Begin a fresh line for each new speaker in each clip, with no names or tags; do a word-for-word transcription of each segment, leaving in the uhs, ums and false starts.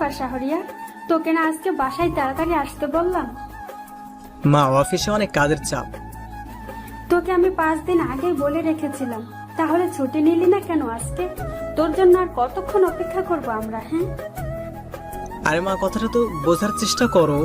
ব্যাপার শাহরিয়া, তোকে না আজকে বাসায় তাড়াতাড়ি আসতে বললাম?
মা, অফিসে অনেক কাজের চাপ।
তোকে আমি পাঁচ দিন আগেই বলে রেখেছিলাম, তাহলে ছুটি নিলি না কেন আজকে? তোর জন্য আর কতক্ষণ অপেক্ষা করবো আমরা? হ্যাঁ,
আরে মা, কথাটা তো বোঝার চেষ্টা করো।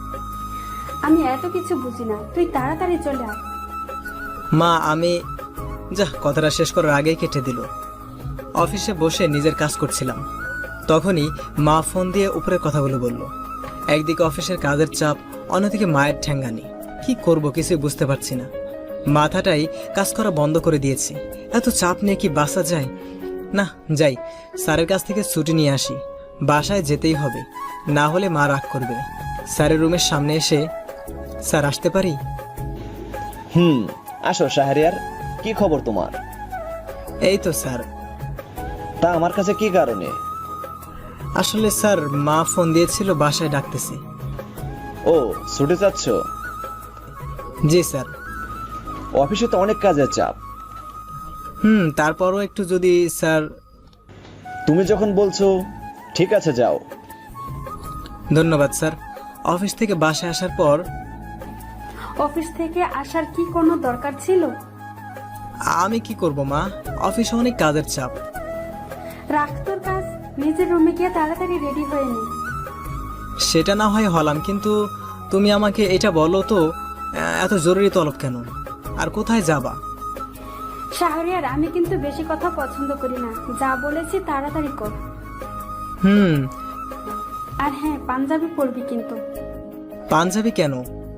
আমি এত কিছু বুঝি না, তুই তাড়াতাড়ি চলে আয়।
মা, আমি যা কথাটা শেষ করার আগেই কেটে দিল। অফিসে বসে নিজের কাজ করছিলাম, তখনই মা ফোন দিয়ে উপরের কথাগুলো বলল। একদিকে অফিসের কাজের চাপ, অন্যদিকে মায়ের ঠ্যাঙ্গানি। কি করব কিছুই বুঝতে পারছি না। মাথাটাই কাজ করা বন্ধ করে দিয়েছে। এত চাপ নিয়ে কি বাসা যায়? না, যাই, স্যারের কাছ থেকে ছুটি নিয়ে আসি। বাসায় যেতেই হবে, না হলে মা রাগ করবে। স্যারের রুমের সামনে এসে, স্যার আসতে পারি?
হুম, আসো শাহরিয়ার, কি খবর তোমার?
এই তো স্যার।
তা আমার কাছে কি কারণে?
আসলে স্যার, মা ফোন দিয়েছিল, বাসায় ডাকতেছে।
ও, ছুটি চাচ্ছ?
জি স্যার।
অফিসে তো অনেক কাজের চাপ।
হুম, তারপরও একটু যদি স্যার।
তুমি যখন বলছো, ঠিক আছে, যাও।
ধন্যবাদ স্যার। অফিস থেকে বাসায় আসার পর
অফিস থেকে আসার কি কোনো দরকার ছিল?
আমি কি করব মা, অফিসে অনেক কাজের চাপ।
রাখ তোর কাজ, নিজের রুমে গিয়ে তাড়াতাড়ি রেডি হয়ে নে।
সেটা না হয় হলাম, কিন্তু তুমি আমাকে এটা বলো তো, এত জরুরি তলব কেন, আর কোথায় যাবা?
শাহরিয়ার, আমি কিন্তু বেশি কথা পছন্দ করি না, যা বলেছি তাড়াতাড়ি কর।
হুম।
আর হ্যাঁ, পাঞ্জাবি পরবি কিন্তু।
পাঞ্জাবি কেন?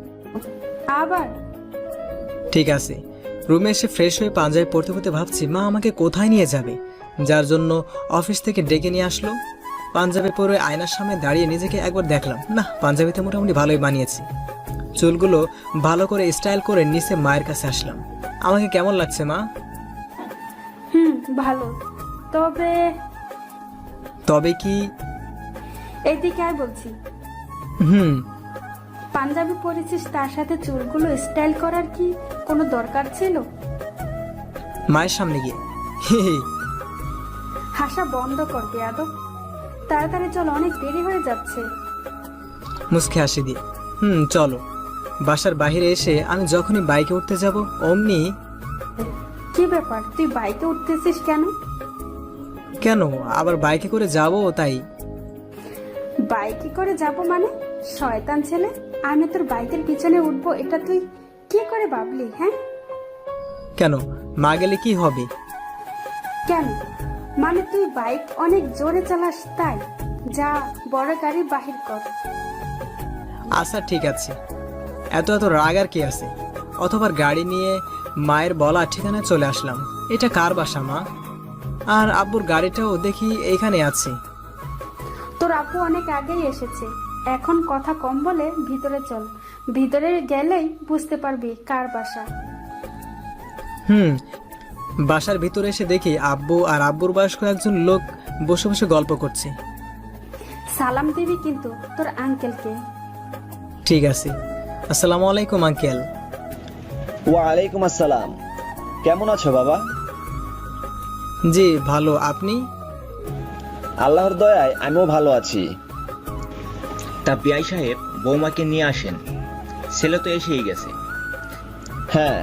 আবার?
ঠিক আছে। রুমে এসে ফ্রেশ হয়ে পাঞ্জাবি পরতে পরতে ভাবছি মা আমাকে কোথায় নিয়ে যাবে, যার জন্য অফিস থেকে ডেকে নিয়ে আসলো। পাঞ্জাবি পরে আয়নার সামনে দাঁড়িয়ে নিজেকে একবার দেখলাম, না, পাঞ্জাবিতে মোটামুটি ভালোই বানিয়েছি। চুলগুলো ভালো করে স্টাইল করে নিচে মায়ের কাছে আসলাম। আমাকে কেমন লাগছে মা?
হুম, ভালো। তবে
তবে কি?
এইদিকে আয় বলছি।
হুম।
পাঞ্জাবি পরেছিস, তার সাথে চুলগুলো স্টাইল করার কি কোনো দরকার ছিল?
মায়ের সামনে গিয়ে
হাসা বন্ধ কর বেয়াদব। তাড়াতাড়ি চল, অনেক দেরি হয়ে যাচ্ছে।
মুচকে হাসি দিয়ে হুম চলো। বাসার বাইরে এসে আমি যখনই বাইকে উঠতে যাব অমনি।
কি ব্যাপার, তুই বাইকে উঠতেছিস কেন?
কেন, আবার বাইকে করে যাব তাই।
বাইকে করে যাব মানে? শয়তান ছেলে, আমি তোর বাইকের পিছনে উঠবো এটা তুই কি করে ভাবলি? হ্যাঁ,
কেন, মা গেলে কি হবে?
কেন মানে তুই বাইক অনেক জোরে চালাস তাই? যা, বড় গাড়ি বাহির কর।
আচ্ছা ঠিক আছে, এত এত রাগ আর কি আছে? অথবা গাড়ি নিয়ে মায়ের বলা ঠিকানায় চলে আসলাম। এটা কার বাসা মা? আর আব্বুর গাড়িটাও দেখি এইখানে আছে।
তোর আপু অনেক আগেই এসেছে, এখন কথা কম বলে ভিতরে চল। ভিতরে গেলেই বুঝতে পারবি কার বাসা।
হুম। বাসার ভিতরে এসে দেখি আব্বু আর আব্বুর বয়স্ক একজন লোক বসে বসে গল্প করছে।
সালাম দিবি কিন্তু তোর আঙ্কেলকে।
ঠিক আছে। আসসালামু আলাইকুম আঙ্কেল।
ওয়ালাইকুম আসসালাম। কেমন আছো বাবা?
জি ভালো, আপনি?
আল্লাহর দয়ায় আমিও ভালো আছি।
তা বিআই সাহেব, বৌমাকে নিয়ে আসেন, ছেলে তো এসেই গেছে।
হ্যাঁ।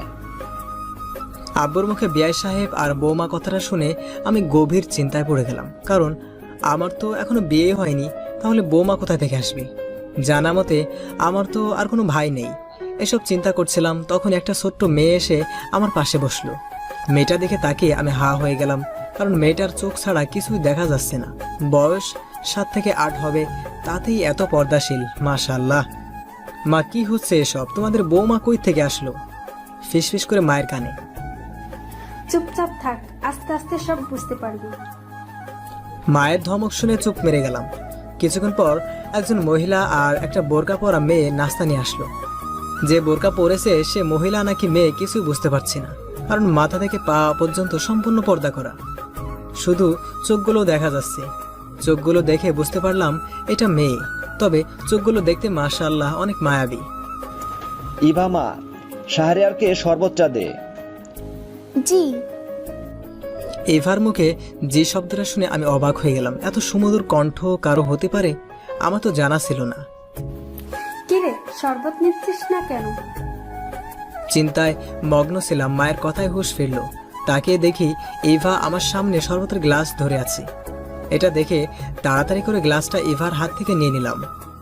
আব্বুর মুখে বিআই সাহেব আর বৌমা কথাটা শুনে আমি গভীর চিন্তায় পড়ে গেলাম। কারণ আমার তো এখনো বিয়ে হয়নি, তাহলে বৌমা কোথা থেকে আসবে? জানা মতে আমার তো আর কোনো ভাই নেই। এসব চিন্তা করছিলাম, তখন একটা ছোট্ট মেয়ে এসে আমার পাশে বসলো। মেয়েটা দেখে তাকিয়ে আমি হা হয়ে গেলাম, কারণ মেয়েটার চোখ ছাড়া কিছুই দেখা যাচ্ছে না। বয়স সাত থেকে আট হবে, তাতেই এত পর্দাশীল, মাশাআল্লাহ। মা, কি হচ্ছে এসব? তোমাদের বৌমা কই থেকে আসলো? ফিসফিস করে মায়ের কানে।
চুপচাপ থাক, আস্তে আস্তে সব বুঝতে পারবি।
মায়ের ধমক শুনে চুপ মেরে গেলাম। কিছুক্ষণ পর একজন মহিলা আর একটা বোরকা পরা মেয়ে নাস্তা নিয়ে আসলো। যে বোরকা পরেছে সে মহিলা নাকি মেয়ে কিছুই বুঝতে পারছি না, কারণ মাথা থেকে পা পর্যন্ত সম্পূর্ণ পর্দা করা, শুধু চোখগুলো দেখা যাচ্ছে। চোখগুলো দেখে বুঝতে পারলাম এটা মেয়ে, তবে চোখগুলো দেখতে মাশাআল্লাহ অনেক মায়াবী।
ইভামা, শাহরিয়ারকে শরবতটা দে।
জি।
এভার মুখে যে শব্দটা শুনে আমি অবাক হয়ে গেলাম। এত সুমধুর কণ্ঠ কারো হতে পারে? আমার তো জানা ছিল না।
কিরে, শরবত নিচ্ছিস না কেন?
চিন্তায় মগ্ন ছিলাম, মায়ের কথায় হুঁশ ফিরল। তাকিয়ে দেখি ইভা আমার সামনে শরবতের গ্লাস ধরে আছে। এটা দেখে তাড়াতাড়ি করে গ্লাসটা ইভার হাত থেকে নিয়ে নিলাম।